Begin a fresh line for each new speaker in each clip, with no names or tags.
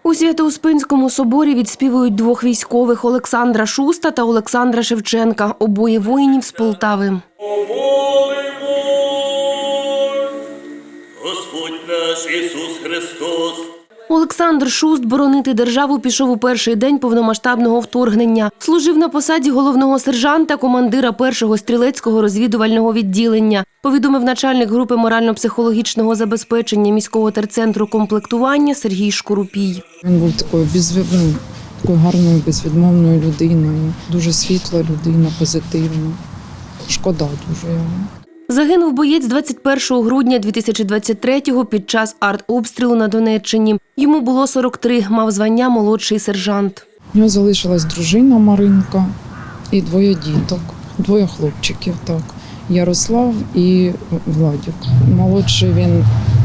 У Свято-Успенському соборі відспівують двох військових – Олександра Шуста та Олександра Шевченка, обоє воїнів з Полтави.
Господь наш Ісус Христос.
Олександр Шуст боронити державу пішов у перший день повномасштабного вторгнення. Служив на посаді головного сержанта, командира 1-го стрілецького розвідувального відділення. Повідомив начальник групи морально-психологічного забезпечення міського терцентру комплектування Сергій Шкурупій.
Він був такою гарною, безвідмовною людиною, дуже світла людина, позитивна. Шкода дуже його.
Загинув боєць 21 грудня 2023-го під час артобстрілу на Донеччині. Йому було 43, мав звання молодший сержант.
У нього залишилась дружина Маринка і двоє діток, двоє хлопчиків. Так. Ярослав і Владик. Молодший він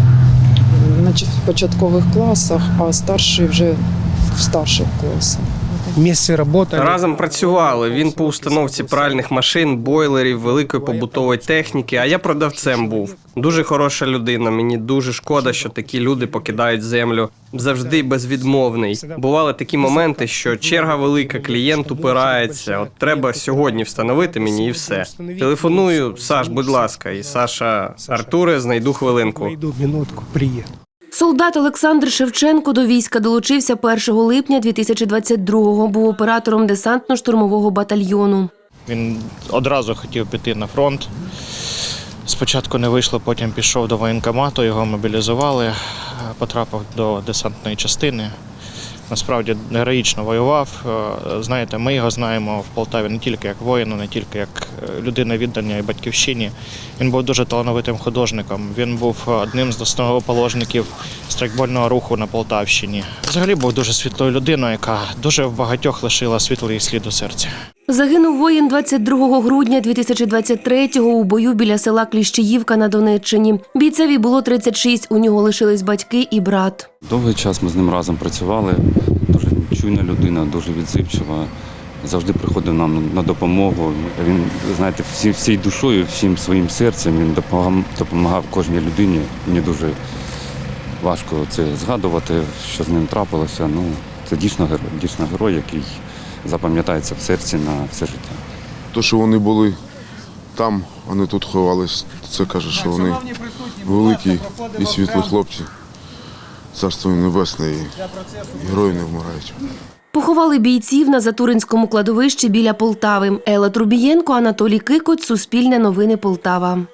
в початкових класах, а старший вже в старших класах.
Разом працювали. Він по установці пральних машин, бойлерів, великої побутової техніки, а я продавцем був. Дуже хороша людина. Мені дуже шкода, що такі люди покидають землю. Завжди безвідмовний. Бували такі моменти, що черга велика, клієнт упирається. От треба сьогодні встановити мені і все. Телефоную: Саш, будь ласка. І Саша: Артуре, знайду хвилинку.
Солдат Олександр Шевченко до війська долучився 1 липня 2022-го. Був оператором десантно-штурмового батальйону.
Він одразу хотів піти на фронт. Спочатку не вийшло, потім пішов до воєнкомату, його мобілізували, потрапив до десантної частини. Насправді героїчно воював. Знаєте, ми його знаємо в Полтаві не тільки як воїна, не тільки як людина віддання і батьківщині. Він був дуже талановитим художником. Він був одним з основоположників страйкбольного руху на Полтавщині. Взагалі був дуже світлою людиною, яка дуже в багатьох лишила світлий слід у серці.
Загинув воїн 22 грудня 2023-го у бою біля села Кліщіївка на Донеччині. Бійцеві було 36, у нього лишились батьки і брат.
Довгий час ми з ним разом працювали. Дуже чуйна людина, дуже відзивчива. Завжди приходив нам на допомогу. Він, знаєте, всією душою, всім своїм серцем він допомагав кожній людині. Мені дуже важко це згадувати, що з ним трапилося. Ну, це дійсно герой, який запам'ятається в серці на все життя.
То, що вони були там, вони тут ховались, це каже, що вони великі і світлі хлопці. Царство їм небесне, і герої не вмирають.
Поховали бійців на Затуринському кладовищі біля Полтави. Елла Трубієнко, Анатолій Кикоть, Суспільне новини Полтава.